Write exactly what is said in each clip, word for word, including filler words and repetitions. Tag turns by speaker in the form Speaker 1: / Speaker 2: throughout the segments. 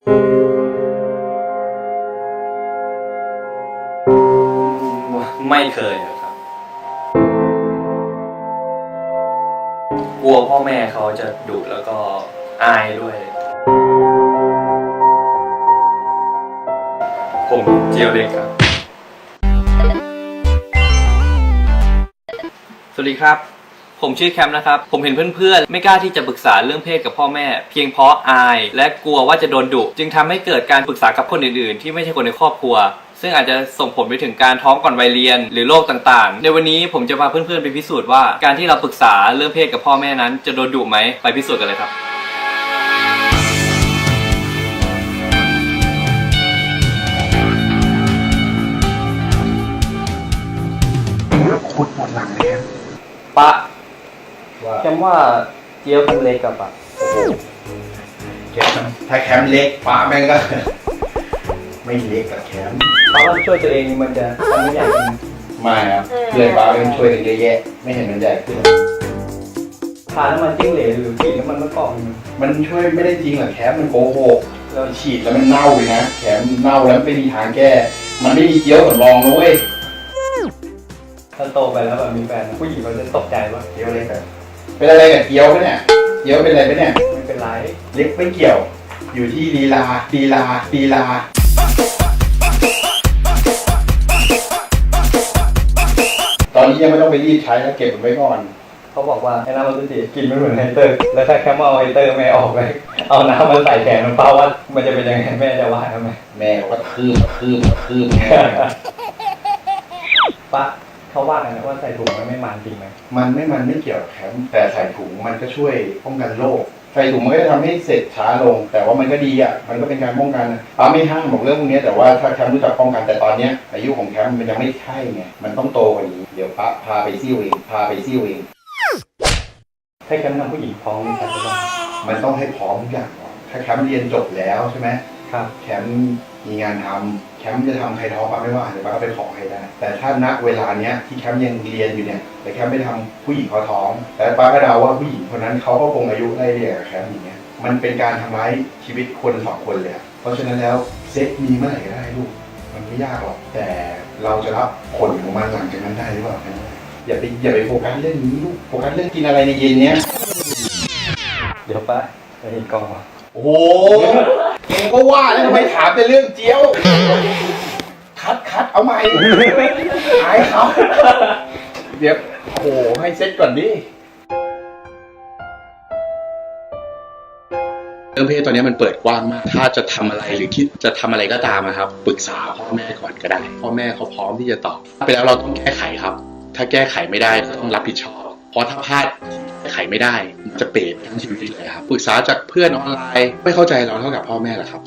Speaker 1: ไม่เคยครับกลัวพ่อแม่เขาจะดุแล้วก็อายด้วยผมเจียวเล็กครับสวัสดีครับผมชื่อแคมป์นะครับผมเห็นเพื่อนๆไม่กล้าที่จะปรึกษาเรื่องเพศกับพ่อแม่เพียงเพราะอายและกลัวว่าจะโดนดุจึงทำให้เกิดการปรึกษากับคนอื่นๆที่ไม่ใช่คนในครอบครัวซึ่งอาจจะส่งผลไปถึงการท้องก่อนวัยเรียนหรือโรคต่างๆในวันนี้ผมจะพาเพื่อนๆไปพิสูจน์ว่าการที่เราปรึกษาเรื่องเพศกับพ่อแม่นั้นจะโดนดุไหมไปพิสูจน์กันเลยครับ
Speaker 2: ขุดหมดหลังเลยครับ
Speaker 1: ปะแคมว่าเจี๊ยบเล็กกับปะ
Speaker 2: แคมถ้าแคมเล็กป้าแม่งก็ไม่เล็กกับแคม
Speaker 1: ป้าว่าช่วยตัวเองมันจะทำไม่ใหญ่ขึ้น
Speaker 2: ไม่ครับเพื่อนป้าเป็นช่วยกันเยอะแยะไม่เห็นมันใหญ่ขึ้น
Speaker 1: ทาน้ำมันจิ้งเหลนหรือฉีดน้ำมันมะกอก
Speaker 2: มันช่วยไม่ได้จริงหรอกแคมมันโกหกเราฉีดแล้วมันเน่าเลยนะแคมเน่าแล้วไม่มีทางแก้มันไม่มีเจี๊ยวสำรองนะเว้ย
Speaker 1: ถ้าโตไปแล้วแบบมีแฟนผู้หญิงเขาจะตกใจว่า
Speaker 2: เจี๊ยวเล็กเป็นอะไรกับเจี๊ยวไหมเนี่ยเจี๊ยวเป็นอะไรไหมเนี่ย
Speaker 1: ไม่เป็นไร
Speaker 2: เล็กไม่เกี่ยวอยู่ที่ลีลาลีลาลีลาตอนนี้ยังไม่ต้องไปรีดใช้แล้วเก็บมันไว้ก่อน
Speaker 1: เขาบอกว่าไอ้น้ำมันจะกินไม่เหมือนไฮเตอร์แล้วถ้าแค่เอาไฮเตอร์ไม่ออกเลยเอาน้ำมาใส่แขนมันเป้าว่ามันจะเป็นยังไงแม่จะว่าทำไม
Speaker 2: แม่ก็คืบคืบคืบ
Speaker 1: ปะเขาว่าไงว่าใส่ถุงมันไม่มันจริงไหม
Speaker 2: มันไม่มันไม่เกี่ยวแคมแต่ใส่ถุงมันก็ช่วยป้องกันโรคใส่ถุงมันก็จะทำให้เสร็จช้าลงแต่ว่ามันก็ดีอ่ะมันก็เป็นการป้องกันป้าไม่ห้ามบอกเรื่องพวกนี้แต่ว่าถ้าแคมรู้จักป้องกันแต่ตอนนี้อายุของแคมมันยังไม่ใช่ไงมันต้องโตกว่านี้เดี๋ยวป้าพาไปซิ่วเองพาไปซิ่วเอง
Speaker 1: ให้แคมทำผู้หญิงพร้อมใช่ไหม
Speaker 2: มันต้องให้พร้อมทุกอย่างก่อนถ้าแคมเรียนจบแล้วใช่ไหม
Speaker 1: ครับ
Speaker 2: แคมมีงานทำแคมจะทำใครท้องป้าไม่ว่าเดี๋ยวป้าก็ไปขอให้ได้แต่ถ้าณเวลาเนี้ยที่แคมยังเรียนอยู่เนี่ยแต่แคมไม่ทำผู้หญิงเขาท้องแต่ป้าก็เดาว่าผู้หญิงคนนั้นเขาก็คงอายุไล่เรียกกับแคมอย่างเงี้ยมันเป็นการทำร้ายชีวิตคนสองคนเลยเพราะฉะนั้นแล้วเซ็กมีเมื่อไหร่ก็ได้ลูกมันไม่ยากหรอกแต่เราจะรับผลของมันหลังจากนั้นได้หรือเปล่าอย่าไปอย่าไปโฟกัสเรื่องนี้ลูกโฟกัสเรื่องกินอะไรในเย็นเนี้ย
Speaker 1: เดี๋ยวป้าไปเห็นกล้องมา
Speaker 2: โอ้โหเก่งก็ว่าแล้วทำไมถามแต่เรื่องเจียวคัดคัดเอาใหม่หายเขาเดี๋ยวโอ้โหให้เซ็ตก่อนดิเรื่องเพศตอนนี้มันเปิดกว้างมากถ้าจะทำอะไรหรือคิดจะทำอะไรก็ตามนะครับปรึกษาพ่อแม่ก่อนก็ได้พ่อแม่เขาพร้อมที่จะตอบไปแล้วเราต้องแก้ไขครับถ้าแก้ไขไม่ได้ก็ต้องรับผิดชอบเพราะถ้าพลาดแก้ไขไม่ได้จะเปรตทั้งชีวิตเลยครับปรึกษาจากเพื่อนออนไลน์ไม่เข้าใจเราเท่ากับพ่อแม่หรอกครับ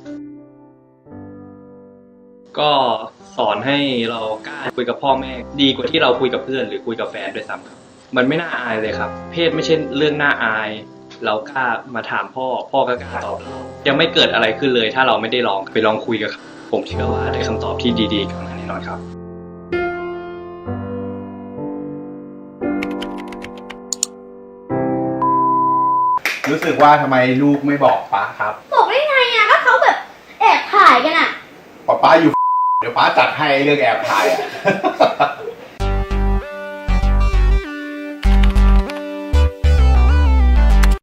Speaker 1: ก็สอนให้เรากล้าคุยกับพ่อแม่ดีกว่าที่เราคุยกับเพื่อนหรือคุยกับแฟนด้วยซ้ำครับมันไม่น่าอายเลยครับเพศไม่ใช่เรื่องน่าอายเรากล้ามาถามพ่อพ่อก็กล้าตอบเรายังไม่เกิดอะไรขึ้นเลยถ้าเราไม่ได้ลองไปลองคุยกับเขาผมเชื่อว่าได้คำตอบที่ดีๆกลับมาแน่นอนครับ
Speaker 2: รู้สึกว่าทำไมลูกไม่บอกป้าครับ
Speaker 3: บอกได้ไงอ่ะก็เขาแบบแอบถ่ายกันอ่ะ
Speaker 2: ป้าป้าอยู่เดี๋ยวป้าจัดให้เรื่องแอบถ่ายอ่ะ